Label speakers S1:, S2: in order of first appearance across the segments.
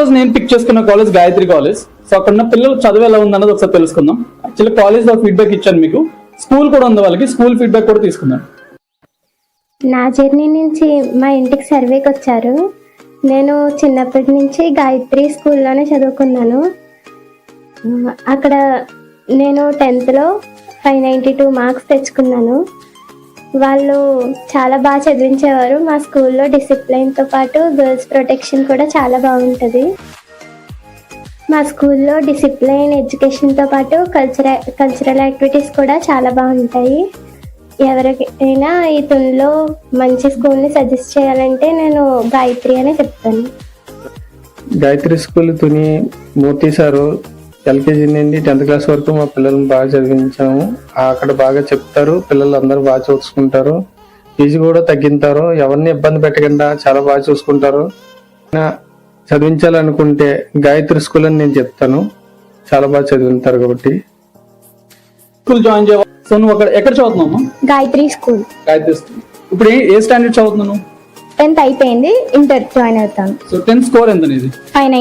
S1: రోజు నేను పిక్ చేసుకున్న కాలేజ్ గాయత్రి కాలేజ్. సో అక్కడ ఉన్న పిల్లలు చదువు ఎలా ఉందన్నది ఒకసారి తెలుసుకుందాం. యాక్చువల్లీ కాలేజ్ లో ఫీడ్బ్యాక్ ఇచ్చాను మీకు, స్కూల్ కూడా ఉంది వాళ్ళకి, స్కూల్ ఫీడ్బ్యాక్ కూడా తీసుకుందాం.
S2: నా జర్నీ నుంచి మా ఇంటికి సర్వేకి వచ్చారు. నేను చిన్నప్పటి నుంచి గాయత్రి స్కూల్లోనే చదువుకున్నాను. అక్కడ నేను 10th లో 592 మార్క్స్ తెచ్చుకున్నాను. వాళ్ళు చాలా బాగా చదివించేవారు. మా స్కూల్లో డిసిప్లైన్తో పాటు గర్ల్స్ ప్రొటెక్షన్ కూడా చాలా బాగుంటుంది. మా స్కూల్లో డిసిప్లైన్ ఎడ్యుకేషన్తో పాటు కల్చరల్ యాక్టివిటీస్ కూడా చాలా బాగుంటాయి. ఎవరికైనా ఈ తునిలో మంచి స్కూల్ని సజెస్ట్ చేయాలంటే నేను గాయత్రి అనే చెప్తాను.
S3: Gayatri school Tuni Murthy sir LKG నుండి 10th క్లాస్ వరకు మా పిల్లల్ని బాగా చదివించాము. అక్కడ బాగా చెప్తారు, పిల్లలు అందరూ బాగా చూసుకుంటారు, ఫీజు కూడా తగ్గింటారు, ఎవరిని ఇబ్బంది పెట్టకుండా చాలా బాగా చూసుకుంటారు. చదివించాలనుకుంటే గాయత్రి స్కూల్ అని నేను చెప్తాను, చాలా బాగా చదివింటారు కాబట్టి.
S1: స్కూల్ జాయిన్ చేయాలి. సో నువ్వు అక్కడ ఎక్కడ చదువుతున్నావు?
S2: గాయత్రి స్కూల్.
S1: గాయత్రి స్కూల్. ఇప్పుడు ఏ స్టాండర్డ్ చదువుతున్నావు?
S2: 10th అయిపోయింది, ఇంటర్ జాయిన్ అవుతాను.
S1: సో 10th స్కోర్ ఎంత నీది?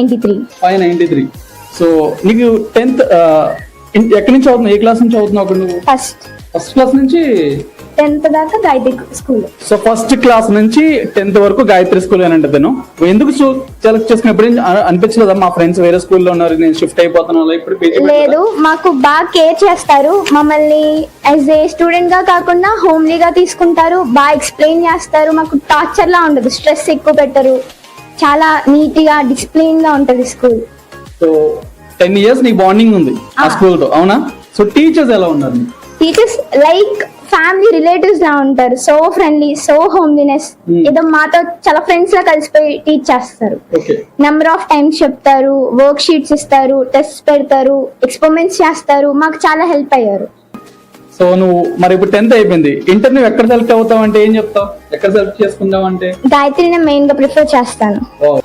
S2: 593.
S1: సో నీకు 10th ఎక్కడి నుంచి చదువుతున్నావు, ఏ క్లాస్ నుంచి చదువుతున్నావు అక్కడ నువ్వు? ఫస్ట్ క్లాస్ నుంచి
S2: 10th దాకా Gayatri school.
S1: So first class నుంచి 10th వరకు గాయత్రి స్కూల్ అని అంటే ఎందుకు సెలెక్ట్ చేసుకున్నప్పుడు అనిపించలేదా మా ఫ్రెండ్స్ వేరే స్కూల్లో ఉన్నారు, నేను షిఫ్ట్ అయిపోతున్నాను ఇప్పుడు?
S2: లేదు, మాకు బాగా కేర్ చేస్తారు. మమ్మల్ని యాజ్ ఏ స్టూడెంట్ గా కాకుండా హోమ్లీగా తీసుకుంటారు, బాగా ఎక్స్ప్లెయిన్ చేస్తారు. మాకు టార్చర్ లా ఉండదు, స్ట్రెస్ ఎక్కువ పెట్టరు, చాలా నీట్ గా డిసిప్లిన్ గా ఉంటది స్కూల్.
S1: సో 10 years నీ బాండింగ్ ఉంది ఆ స్కూల్ తో, అవునా? సో టీచర్స్ ఎలా ఉన్నారు?
S2: టీచర్స్ లైక్ ఫ్యామిలీ రిలేటివ్స్ లా ఉంటారు. So friendly, so homeliness. ఏదో మాతో చాలా ఫ్రెండ్స్ లా కలిసిపోయి టీచ్ చేస్తారు. నెంబర్ ఆఫ్ టైమ్స్ చెప్తారు, వర్క్ షీట్స్ ఇస్తారు, టెస్ట్ పెడతారు, ఎక్స్పెరిమెంట్స్ చేస్తారు. మాకు చాలా హెల్ప్ అయ్యారు.
S1: సో నువ్వు మరి ఇప్పుడు 10th అయిపోయింది, ఇంటర్ నువ్వు ఎక్కడ సెలెక్ట్ అవుతావు అంటే ఏం చెప్తావు? ఎక్కడ సెలెక్ట్ చేసుకుందాం అంటే?
S2: గాయత్రిని మెయిన్ గా ప్రిఫర్ చేస్తాను.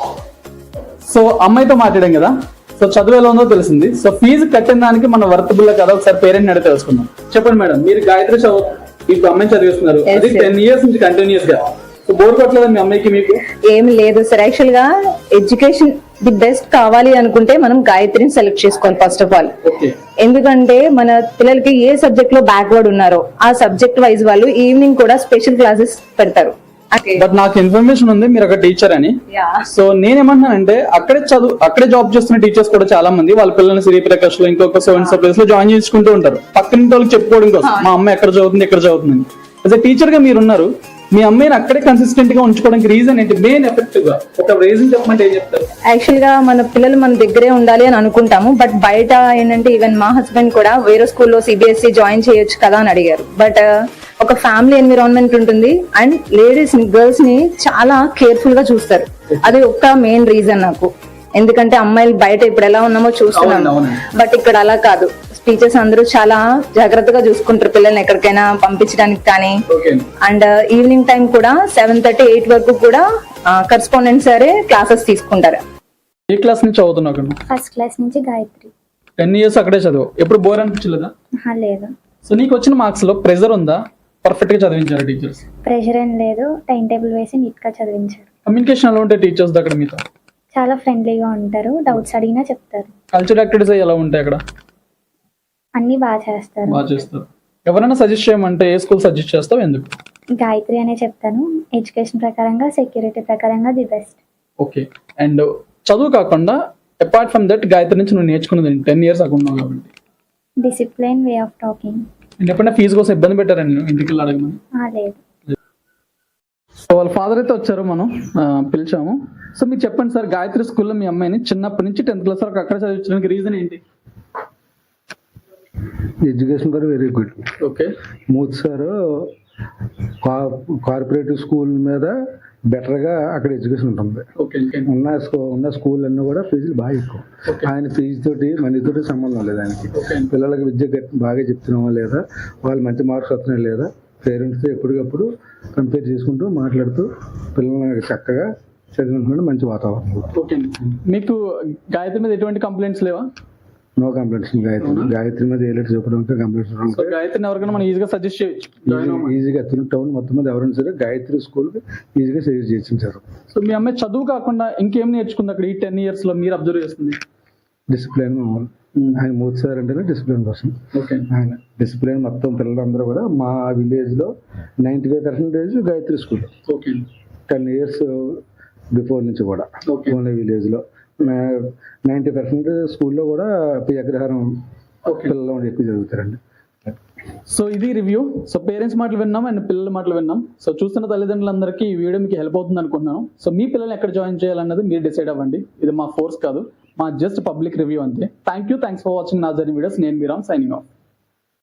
S1: సో అమ్మాయితో మాట్లాడాం కదా, సో చదువు ఎలా ఉందో తెలిసింది. సో ఫీజు కట్టిన దానికి మన వర్తబుల్ కదా, ఒకసారి పేరెంట్ అడిగి తెలుసుకుందాం. చెప్పండి మేడం, మీరు గాయత్రి ఇప్పుడు అమ్మాయిని చదివిస్తున్నారు, అది 10 years నుంచి కంటిన్యూస్ గా. సో బోర్ కొట్టలేదు మీ అమ్మాయికి? మీకు
S4: ఏమి లేదు సార్. యాక్చువల్ గా ఎడ్యుకేషన్ ది బెస్ట్ కావాలి అనుకుంటే మనం గాయత్రిని సెలెక్ట్ చేసుకోవాలి ఫస్ట్ ఆఫ్ ఆల్. ఎందుకంటే మన పిల్లలకి ఏ సబ్జెక్ట్ లో బ్యాక్వర్డ్ ఉన్నారో ఆ సబ్జెక్ట్ వైజ్ వాళ్ళు ఈవినింగ్ కూడా స్పెషల్ క్లాసెస్ పెడతారు.
S1: బట్ నాకు ఇన్ఫర్మేషన్ ఉంది మీరు ఒక టీచర్ అని. సో నేనేమంటున్నానంటే అక్కడే జాబ్ చేస్తున్న టీచర్స్ కూడా చాలా మంది వాళ్ళ పిల్లల్ని శ్రీప్రకాష్ లో ఇంకొక ప్లేస్ లో జాయిన్ చేసుకుంటూ ఉంటారు, పక్కన వాళ్ళకి చెప్పుకోవడం కోసం మా అమ్మాయి ఎక్కడ చదువుతుంది. యాజ్ ఎ టీచర్ గా మీరున్నారు, మీ అమ్మాయిని అక్కడే కన్సిస్టెంట్ గా ఉంచుకోవడానికి రీజన్ ఏంటి? మెయిన్ ఎఫెక్టివ్ గా ఒక రీజన్ చెప్పమంటే ఏం చెప్తారు?
S4: యాక్చువల్ గా మన పిల్లలు మన దగ్గరే ఉండాలి అని అనుకుంటాము, బట్ బయట ఏంటంటే ఈవెన్ మా హస్బెండ్ కూడా వేరే స్కూల్లో CBSE జాయిన్ చేయొచ్చు కదా అని అడిగారు. బట్ ఒక ఫ్యామిలీ ఎన్విరాన్మెంట్ ఉంటుంది అండ్ లేడీస్ ని, గర్ల్స్ ని చాలా కేర్ఫుల్ గా చూస్తారు. అది ఒక్క మెయిన్ రీజన్ నాకు. ఎందుకంటే అమ్మాయిలు బయట ఇప్పుడు ఎలా ఉన్నామో చూస్తున్నాము, బట్ ఇక్కడ అలా కాదు. టీచర్స్ అందరూ చాలా జాగ్రత్తగా చూసుకుంటారు పిల్లల్ని ఎక్కడికైనా పంపించడానికి కానీ. అండ్ ఈవినింగ్ టైం కూడా 7:30, 8 వరకు కూడా కరెస్పాండెంట్ సరే క్లాసెస్ తీసుకుంటారు.
S1: ఏ క్లాస్ నుంచి చదువుతున్నావు?
S2: ఫస్ట్ క్లాస్ నుంచి గాయత్రి.
S1: 10 years అక్కడే చదువు. ఎప్పుడు బోర్ అనిపించలేదా?
S2: లేదు.
S1: సో నీకు వచ్చిన మార్క్స్ లో ప్రెజర్ ఉందా? పర్ఫెక్ట్ గా చదివించారు టీచర్స్?
S2: ప్రెషర్ ఏం లేదు, టైం టేబుల్ వేసి నీట్ గా చదివించారు.
S1: కమ్యూనికేషన్ ఎలా ఉంటాయి టీచర్స్ దగ్గర మీతో?
S2: చాలా ఫ్రెండ్లీగా ఉంటారు, డౌట్స్ అడిగినా చెప్తారు.
S1: కల్చరల్ యాక్టివిటీస్ ఎలా ఉంటాయి అక్కడ?
S2: అన్ని బాగా చేస్తారు.
S1: ఎవరైనా సజెస్ట్ చేయమంటే ఏ స్కూల్ సజెస్ట్ చేస్తావు, ఎందుకు?
S2: గాయత్రి అనే చెప్తాను. ఎడ్యుకేషన్ ప్రకారంగా, సెక్యూరిటీ ప్రకారంగా ది బెస్ట్.
S1: ఓకే. అండ్ చదువు కాకుండా అపార్ట్ ఫ్రమ్ దట్ గాయత్రి నుంచి నువ్వు నేర్చుకున్నది 10 years అక్కడ ఉన్నావు కాబట్టి?
S2: Discipline, way of talking.
S1: And ఎప్పుడైనా ఫీజు కోసం ఇబ్బంది పెట్టారని ఇంటికి వెళ్ళి అడగమని?
S2: లేదు.
S1: సో వాళ్ళ ఫాదర్ అయితే వచ్చారు, మనం పిలిచాము. సో మీరు చెప్పండి సార్, గాయత్రి స్కూల్లో మీ అమ్మాయిని చిన్నప్పటి నుంచి 10th క్లాస్ వరకు అక్కడ చదివించడానికి రీజన్ ఏంటి?
S5: Education for very good.
S1: Okay.
S5: Murthy sir corporative school మీద బెటర్గా అక్కడ ఎడ్యుకేషన్ ఉంటుంది. ఉన్న స్కూల్ అన్నీ కూడా ఫీజులు బాగా ఎక్కువ. ఆయన ఫీజు తోటి మనీతోటి సంబంధం లేదు ఆయనకి. పిల్లలకి విద్య బాగా చెప్తున్నామా లేదా, వాళ్ళు మంచి మార్క్స్ వస్తున్నాయా లేదా, పేరెంట్స్తో ఎప్పటికప్పుడు కంపేర్ చేసుకుంటూ మాట్లాడుతూ పిల్లల్ని చక్కగా చదివించుకుంటే మంచి వాతావరణం.
S1: మీకు గాయత్రి మీద ఎటువంటి కంప్లైంట్స్ లేవా?
S5: No complaints. గాయత్రి మీద ఏ లెటర్ చెప్పడానికి కంప్లైంట్స్
S1: సో గాయత్రిని ఎవరికైనా మనం ఈజీగా సజెస్ట్ చేయొచ్చు.
S5: ఈజీగా టౌన్ మొత్తం మీద ఎవరైనా సరే గాయత్రి స్కూల్ ఈజీగా సజెస్ట్ చేయొచ్చు సార్.
S1: సో మీ అమ్మాయి చదువు కాకుండా ఇంకేం నేర్చుకుంది అక్కడ ఈ 10 years లో మీరు అబ్జర్వ్ చేస్తుంది?
S5: డిసిప్లిన్. ఆయన మూర్తి సార్ అంటేనే డిసిప్లిన్ కోసం.
S1: ఓకే.
S5: ఆయన డిసిప్లిన్ మొత్తం పిల్లలందరూ కూడా మా విలేజ్ లో 95% Gayatri school.
S1: Okay.
S5: 10 years before నుంచి కూడా ఓన్లీ విలేజ్ లో 90% స్కూల్లో కూడా అగ్రహారం పిల్లలు ఎక్కువ చదువుతారండి.
S1: సో ఇది రివ్యూ. సో పేరెంట్స్ మాటలు విన్నాం అండ్ పిల్లల మాటలు విన్నాం. సో చూస్తున్న తల్లిదండ్రులందరికీ ఈ వీడియో మీకు హెల్ప్ అవుతుంది అనుకుంటున్నాను. సో మీ పిల్లల్ని ఎక్కడ జాయిన్ చేయాలన్నది మీరు డిసైడ్ అవ్వండి. ఇది మా ఫోర్స్ కాదు, మా జస్ట్ పబ్లిక్ రివ్యూ అంతే. థ్యాంక్స్ ఫర్ వాచింగ్ నా జర్నీ వీడియోస్. నేను మీరామ్, సైనింగ్ ఆఫ్.